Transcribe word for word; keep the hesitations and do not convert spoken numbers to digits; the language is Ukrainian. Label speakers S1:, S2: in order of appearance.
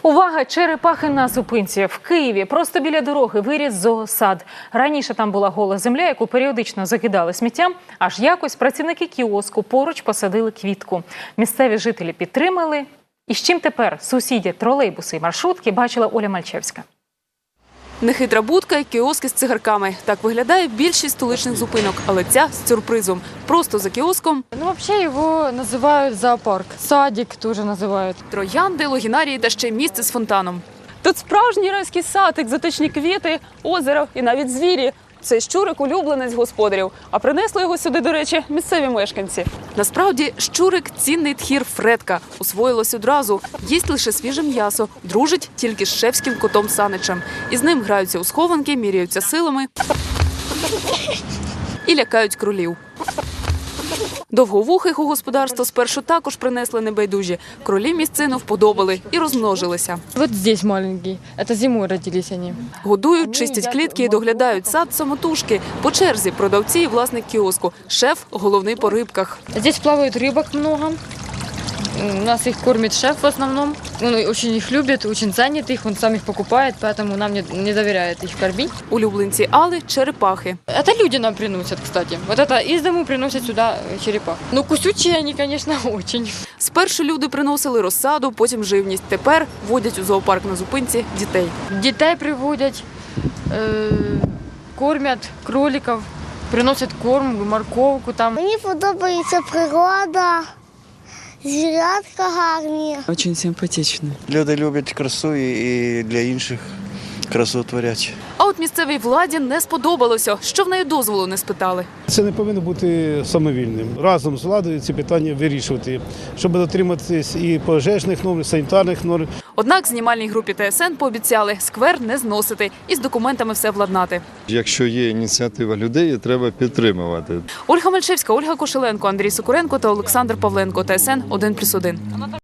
S1: Увага! Черепахи на зупинці. В Києві просто біля дороги виріс зоосад. Раніше там була гола земля, яку періодично закидали сміттям. Аж якось працівники кіоску поруч посадили квітку. Місцеві жителі підтримали. І з чим тепер сусідять тролейбуси і маршрутки, бачила Оля Мальчевська.
S2: Нехитра будка і кіоски з цигарками. Так виглядає більшість столичних зупинок, але ця з сюрпризом. Просто за кіоском
S3: Ну, вообще его называют зоопарк. Садик тоже называют.
S2: троянди, логінарії та ще й місце з фонтаном.
S4: Тут справжній райський сад, екзотичні квіти, озеро і навіть звірі. Цей щурик – улюбленець господарів. А принесли його сюди, до речі, місцеві мешканці.
S2: Насправді, щурик – цінний тхір Фредка. Усвоїлось одразу. Їсть лише свіже м'ясо. Дружить тільки з шефським котом Саничем. Із ним граються у схованки, міряються силами і лякають кролів. Довговухих у господарство спершу також принесли небайдужі. Кролі місцину вподобали і розмножилися.
S3: Вот здесь маленький. Это зимой родились они.
S2: Годують, чистять клітки і доглядають сад самотужки. По черзі продавці і власник кіоску. Шеф – головний по рибках.
S3: Здесь плавает рыбок много. У нас их кормит шеф в основном. Он очень их любит, очень ценит их, он сам их покупает, поэтому нам не, не доверяет их кормить.
S2: Улюбленці Алли – черепахи.
S3: Это люди нам приносят, кстати. Вот это из дому приносят сюда черепах. Ну, кусючие они, конечно, очень.
S2: Спершу люди приносили розсаду, потім живність. Тепер водять у зоопарк на зупинці дітей.
S3: Детей приводят, э, кормят кроликов, приносят корм, морковку там.
S5: Мені подобається природа, звірятка гарні.
S6: Очень симпатично.
S7: Люди люблять красу і для інших красу творять.
S2: А от місцевій владі не сподобалося, що в неї дозволу не спитали.
S8: Це не повинно бути самовільним. Разом з владою ці питання вирішувати, щоб дотриматись і пожежних норм, і санітарних норм.
S2: Однак знімальній групі Т С Н пообіцяли сквер не зносити і з документами все владнати.
S9: Якщо є ініціатива людей, її треба підтримувати.
S2: Ольга Мальчевська, Ольга Кошеленко, Андрій Сокуренко та Олександр Павленко. Т С Н один плюс один.